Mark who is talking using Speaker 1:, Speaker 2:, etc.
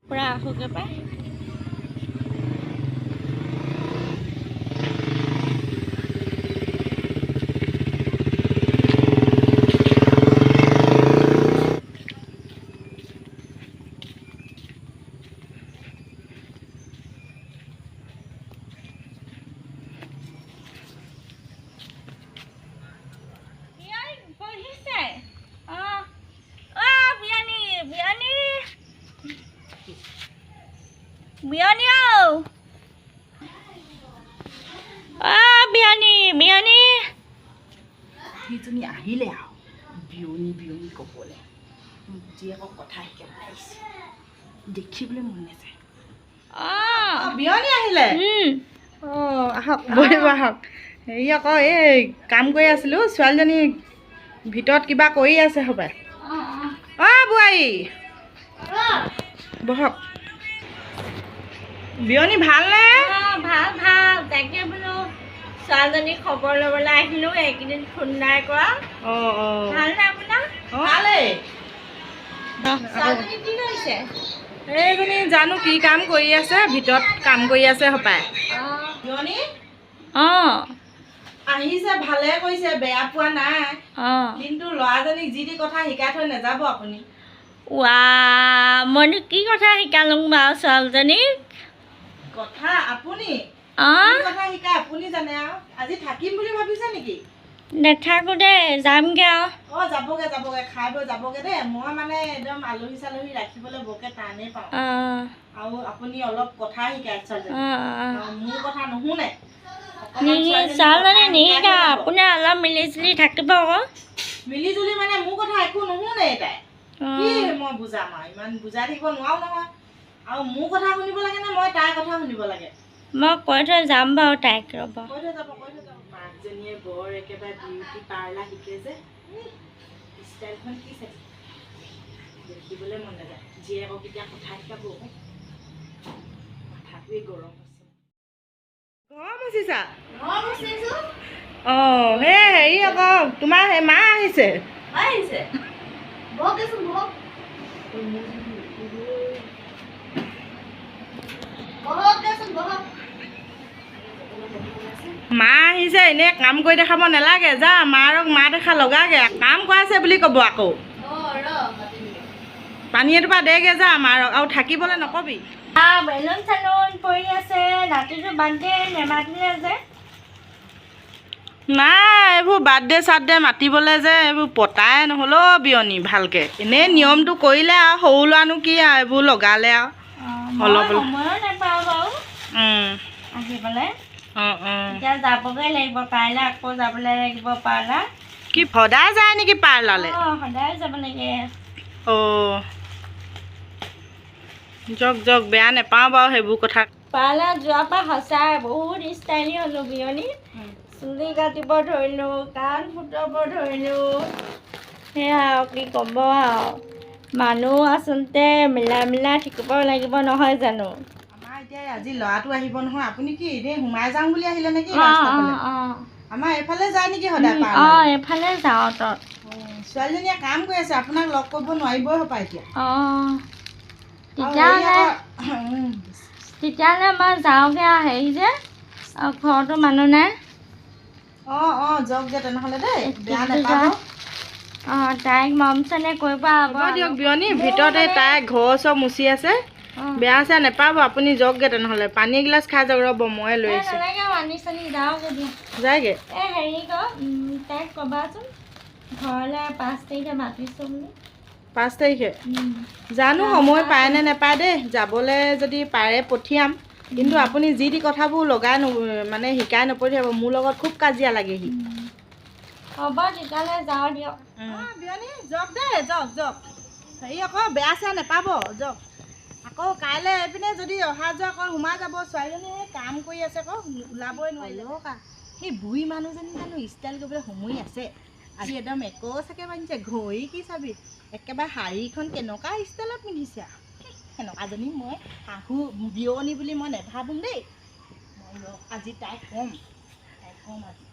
Speaker 1: পৰা আহোগে পাই
Speaker 2: সেইজনী আহিলে আৰু বিয়নী ক'বলৈ জীয়েকক কথা শিকাবলৈ আহিছে দেখিবলৈ মন নাযায় বিয়নী আহিলে আহক বহিব আহক হেৰি আকৌ এই কাম কৰি আছিলোঁ ছোৱালীজনী ভিতৰত কিবা কৰি আছে হ'বাই বোৱাৰী বহক বিয়নী ভালনে
Speaker 1: ভাল ভাল তাকে বোলো ছোৱালীজনী খবৰ ল'বলৈ আহিলোঁ এইকেইদিন ফোন নাই কৰা ভালনে আপোনাৰ
Speaker 2: ভালেই
Speaker 1: ছোৱালীজনী কি কৰিছে
Speaker 2: এইজনী জানো কি কাম কৰি আছে ভিতৰত কাম কৰি আছে হ'পাই বিয়নী আহিছে ভালে কৰিছে বেয়া পোৱা নাই কিন্তু ল'ৰাজনীক যি টি কথা শিকাই থৈ নাযাব আপুনি
Speaker 1: মইনো কি কথা শিকালোঁ বাৰু ছোৱালীজনীক
Speaker 2: কথা আপুনি কথা শিকাই আপুনি জানে আৰু আজি থাকিম বুলি ভাবিছে নেকি
Speaker 1: নাথাকোঁ দেই যামগৈ আৰু
Speaker 2: যাবগৈ খাই বৈ যাবগৈ দেই মই মানে একদম আলহী চালহী ৰাখিবলৈ বৰকৈ টানেই পাওঁ আৰু আপুনি অলপ কথা শিকাই মোৰ কথা নুশুনে
Speaker 1: ছোৱালীজনী নিশিকা আপোনাৰ অলপ মিলি জুলি থাকিব আকৌ
Speaker 2: মিলি জুলি মানে মোৰ কথা একো নুশুনে তাই কি মই বুজাম আৰু ইমান বুজাই থাকিব নোৱাৰো নহয় আৰু মোৰ কথা শুনিব লাগে নে মই তাইৰ কথা শুনিব লাগে
Speaker 1: মই কৈ থৈ যাম বাৰু তাইক ৰ'ব
Speaker 2: কৈ থৈ যাব মাকজনীয়ে বৰ একেবাৰে বিউটি পাৰ্লাৰ শিকে যে ষ্টাইলখন কি চাইছে দেখিবলৈ মন নাযায় জীয়েকক এতিয়া কথা শিকাব মাথাটোৱে গৰম হৈছে সেই হেৰি আকৌ তোমাৰ সেই মা আহিছে মা আহিছে এনেই কাম কৰি দেখাব নালাগে যা মাৰক মা দেখা লগাগে কাম কৰাইছে বুলি ক'ব আকৌ পানী এটোপা দেগে যা মাৰক আৰু থাকিবলৈ নকবি
Speaker 1: বেলুন চেলুন পৰি আছে ৰাতিটো বাৰ্থডে নেমাতিলে যে
Speaker 2: নাই এইবোৰ বাৰ্থডে চাৰ্থডে মাতিবলৈ যে এইবোৰ পতাই নহ'ল বিয়নী ভালকৈ এনেই নিয়মটো কৰিলে আৰু সৰু ল'ৰানো কি আৰু এইবোৰ লগালে আৰু অলপ
Speaker 1: সময়ো নাপাওঁ বাৰু আহিবলৈ এতিয়া যাবগৈ লাগিব কাইলৈ আকৌ যাবলৈ লাগিব পাৰ্লাৰ
Speaker 2: কি সদায় যায় নেকি পাৰ্লাৰলৈ
Speaker 1: সদায় যাব লাগে
Speaker 2: যাওক বেয়া নাপাওঁ বাৰু সেইবোৰ কথা
Speaker 1: পাৰ্লাৰ যোৱাৰ পৰা সঁচাই বহুত ষ্টাইলি হ'লোঁ বিয়নী চুলি কাটিব ধৰিলোঁ কাণ ফুটাব ধৰিলোঁ সেয়া আৰু কি ক'ব আৰু মানুহ আচলতে মিলাই থাকিব লাগিব নহয় জানো
Speaker 2: আমাৰ এতিয়া আজি ল'ৰাটো আহিব নহয় আপুনি কি এনেই সোমাই যাওঁ বুলি আহিলে নেকি আমাৰ এইফালে যায় নেকি সদায়
Speaker 1: এইফালে যাওঁ তত
Speaker 2: ছোৱালীজনীয়ে কাম কৰি আছে আপোনাক লগ কৰিব নোৱাৰিবই হ'পাই এতিয়া
Speaker 1: তেতিয়াহ'লে মই যাওঁগৈ আৰু হেৰি যে ঘৰতো মানুহ নাই
Speaker 2: যাওকগৈ তেনেহ'লে দেই বেয়া নাপাব
Speaker 1: তাইক মৰম চেনেহ কৰিব
Speaker 2: হ'ব দিয়ক বিয়নী ভিতৰতে তাই ঘৰ চব মুচি আছে বেয়া চেয়া নাপাব আপুনি যাওকগৈ তেনেহ'লে পানী এগিলাচ খাই যাওক ৰ'ব মই লৈ আছোঁ যায়গৈ
Speaker 1: হেৰি তাইক ক'বাচোন ঘৰলৈ 5 তাৰিখে মাতিছোঁ বুলি
Speaker 2: 5 তাৰিখে জানো সময় পায় নে নাপায় দেই যাবলৈ যদি পাৰে পঠিয়াম কিন্তু আপুনি যি টি কথাবোৰ লগাই মানে শিকাই নপঠিয়াব মোৰ লগত খুব কাজিয়া লাগেহি
Speaker 1: হ'ব তেতিয়াহ'লে যাওঁ দিয়ক
Speaker 2: বিয়নী যাওক দেই যাওক হেৰি আকৌ বেয়া চেয়া নাপাব যাওক আকৌ কাইলৈ এইপিনে যদি অহা যোৱা কৰি সোমাই যাব ছোৱালীজনীয়ে কাম কৰি আছে আকৌ ওলাবই নোৱাৰিলে সেই বুঢ়ী মানুহজনী জানো ষ্টাইল কৰিবলৈ সময় আছে আজি একদম চাকে বান্ধিছে ঘড়ী কি চাবি একেবাৰে শাড়ীখন কেনেকুৱা ষ্টাইলত পিন্ধিছে সেনেকুৱাজনী মই শাহু বিয়নী বুলি মই নেভাবোঁ দেই মই আজি তাইক ক'ম আজি